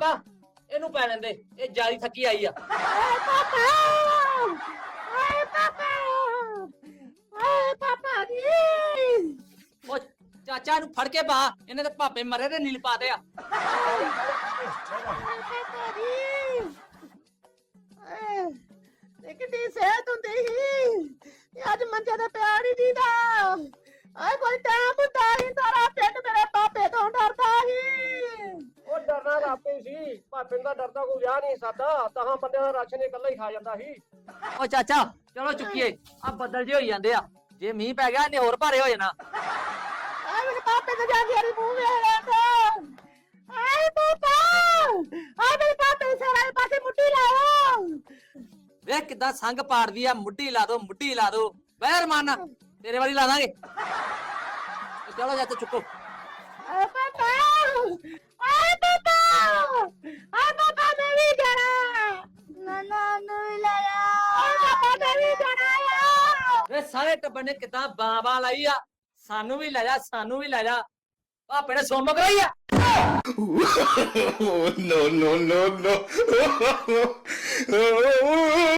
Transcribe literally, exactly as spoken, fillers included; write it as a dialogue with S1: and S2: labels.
S1: ਪਾਪਾ ਇਹਨੂੰ ਪੈ ਲੈਂਦੇ, ਇਹ ਜਾਰੀ ਥੱਕੀ ਆਈ ਆ।
S2: ਓਏ ਪਾਪਾ ਓਏ ਪਾਪਾ ਓਏ ਪਾਪਾ ਜੀ
S1: ਉਹ ਚਾਚਾ ਨੂੰ ਫੜ ਕੇ ਪਾ, ਇਹਨੇ ਤੇ ਭਾਪੇ ਮਰੇ ਤੇ ਨੀਲ ਪਾਤੇ ਆ।
S2: ਪਾਪਾ ਜੀ ਇਹ ਕਿੰਨੀ ਸਿਹਤ ਹੁੰਦੀ ਸੀ, ਅੱਜ ਮੰਜੇ ਤੇ ਪਿਆ ਨਹੀਂ ਦੀਦਾ। ਆਏ ਕੋਈ ਟਾਈਮ ਹੁੰਦਾ ਸੀ, ਸਾਰਾ ਪਿੰਡ ਮੇਰੇ ਪਾਪੇ ਤੋਂ ਡਰਦਾ ਸੀ।
S3: ਉਹ ਡਰਨਾ ਤਾਂ ਆਪੇ ਸੀ, ਭਾਪੇ ਦਾ ਡਰਦਾ ਕੋਈ ਵਿਆਹ ਨਹੀਂ ਸਾਦਾ, ਤਾਂ ਬੰਦੇ ਦਾ ਰਾਸ਼ਨ ਇਕੱਲਾ ਹੀ ਖਾ ਜਾਂਦਾ ਸੀ।
S1: ਉਹ ਚਾਚਾ ਚਲੋ ਚੁੱਕੀਏ, ਆ ਬੱਦਲ ਜੇ ਹੋਈ ਜਾਂਦੇ ਆ, ਜੇ ਮੀਂਹ ਪੈ ਗਿਆ ਇਹਨੇ ਹੋਰ ਭਾਰੇ ਹੋ ਜਾਣਾ।
S2: ਆਏ ਮੇਰੇ ਪਾਪੇ ਤੇ ਜਾ ਕੇ ਮੂੰਹ ਵੇਖ ਆਏ ਪਾਪਾ ਆਏ ਮੇਰੇ ਪਾਪੇ ਸਾਰੇ ਪਾਸੇ ਮੁੱਠੀ ਲਾਓ।
S1: ਵੇਖ ਕਿੱਦਾਂ ਸੰਗ ਪਾੜਦੀ ਆ, ਮੁੱਢੀ ਲਾ ਦੋ ਮੁੱਢੀ ਲਾ ਦੋ, ਬਹਿਰ ਮਾਰਨਾ ਤੇਰੇ ਵਾਲੀ ਲਾ ਦਾਂਗੇ। ਚਲੋ ਜਾ ਤੇ ਚੁੱਕੋ।
S2: ਆਏ ਪਾਪਾ ਆਏ ਪਾਪਾ ਆਏ ਪਾਪਾ ਮੈਂ ਵੀ ਜਾਣਾ, ਨਾਨਾ ਨੂੰ ਵੀ ਲੈ ਜਾ। ਆਏ ਪਾਪਾ ਮੈਂ ਵੀ ਜਾਣਾ।
S1: ਵੇ ਸਾਰੇ ਟੱਬਰ ਨੇ ਕਿੱਦਾਂ ਬਾਂ ਬਾਂ ਲਾਈ ਆ, ਸਾਨੂੰ ਵੀ ਲੈ ਜਾ ਸਾਨੂੰ ਵੀ ਲੈ ਜਾ। ਭਾਪੇ ਨੇ ਸੁਣ ਮਗਰਾਈ ਆ।
S4: no, no, no, no.